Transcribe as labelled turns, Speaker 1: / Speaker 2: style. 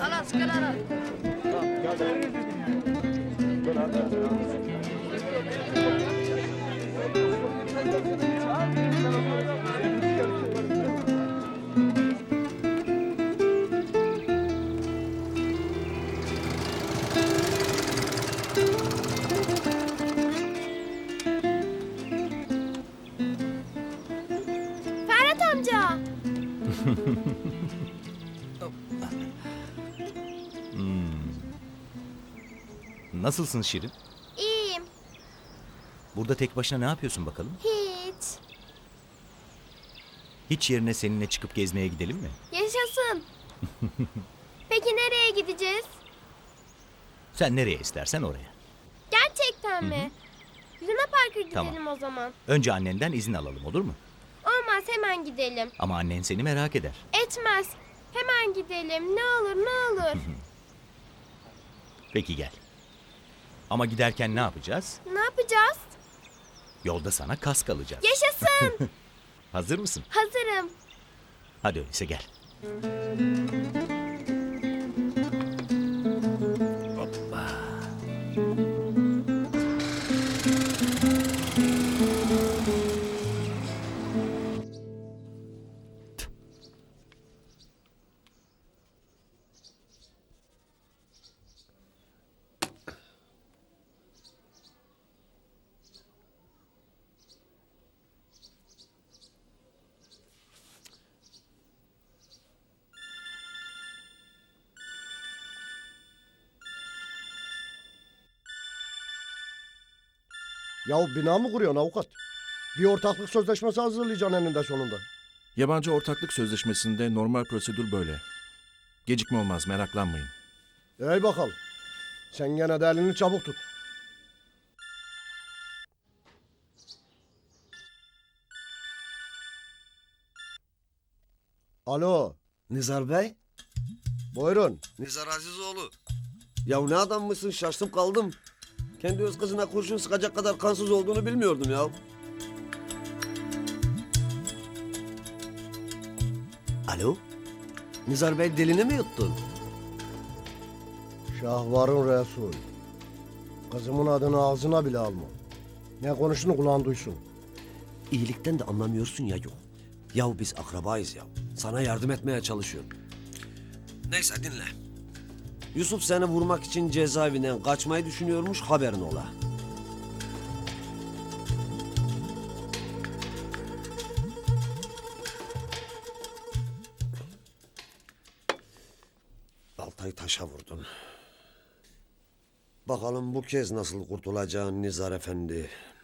Speaker 1: Halas kenara.
Speaker 2: Ferhat amca.
Speaker 3: Nasılsın Şirin?
Speaker 2: İyiyim.
Speaker 3: Burada tek başına ne yapıyorsun bakalım?
Speaker 2: Hiç.
Speaker 3: Hiç yerine seninle çıkıp gezmeye gidelim mi?
Speaker 2: Yaşasın. Peki nereye gideceğiz?
Speaker 3: Sen nereye istersen oraya.
Speaker 2: Gerçekten mi? Luna Park'a gidelim
Speaker 3: Tamam.
Speaker 2: o zaman.
Speaker 3: Önce annenden izin alalım, olur mu?
Speaker 2: Olmaz, hemen gidelim.
Speaker 3: Ama annen seni merak eder.
Speaker 2: Etmez. Hemen gidelim. Ne olur ne olur.
Speaker 3: Peki gel. Ama giderken ne yapacağız?
Speaker 2: Ne yapacağız?
Speaker 3: Yolda sana kask alacağız.
Speaker 2: Yaşasın.
Speaker 3: Hazır mısın?
Speaker 2: Hazırım.
Speaker 3: Hadi öyleyse gel. Hoppa.
Speaker 4: Ya bina mı kuruyorsun avukat? Bir ortaklık sözleşmesi hazırlayacaksın eninde sonunda.
Speaker 5: Yabancı ortaklık sözleşmesinde normal prosedür böyle. Gecikme olmaz, meraklanmayın.
Speaker 4: Ey bakalım. Sen gene de elini çabuk tut. Alo,
Speaker 6: Nizar Bey?
Speaker 4: buyurun.
Speaker 6: Nizar Azizoğlu. Ya ne adam mısın, şaştım kaldım. Kendi öz kızına kurşun sıkacak kadar kansız olduğunu bilmiyordum ya. Alo? Nizar Bey dilini mi yuttun?
Speaker 4: Şahvarın Resul. Kızımın adını ağzına bile alma. Ne konuştuğunu kulağın duysun.
Speaker 6: İyilikten de anlamıyorsun ya yok. Yahu biz akrabayız ya. Sana yardım etmeye çalışıyorum. Neyse dinle. Yusuf seni vurmak için cezaevinden kaçmayı düşünüyormuş, haberin ola. Baltayı taşa vurdun. Bakalım bu kez nasıl kurtulacaksın Nizar Efendi.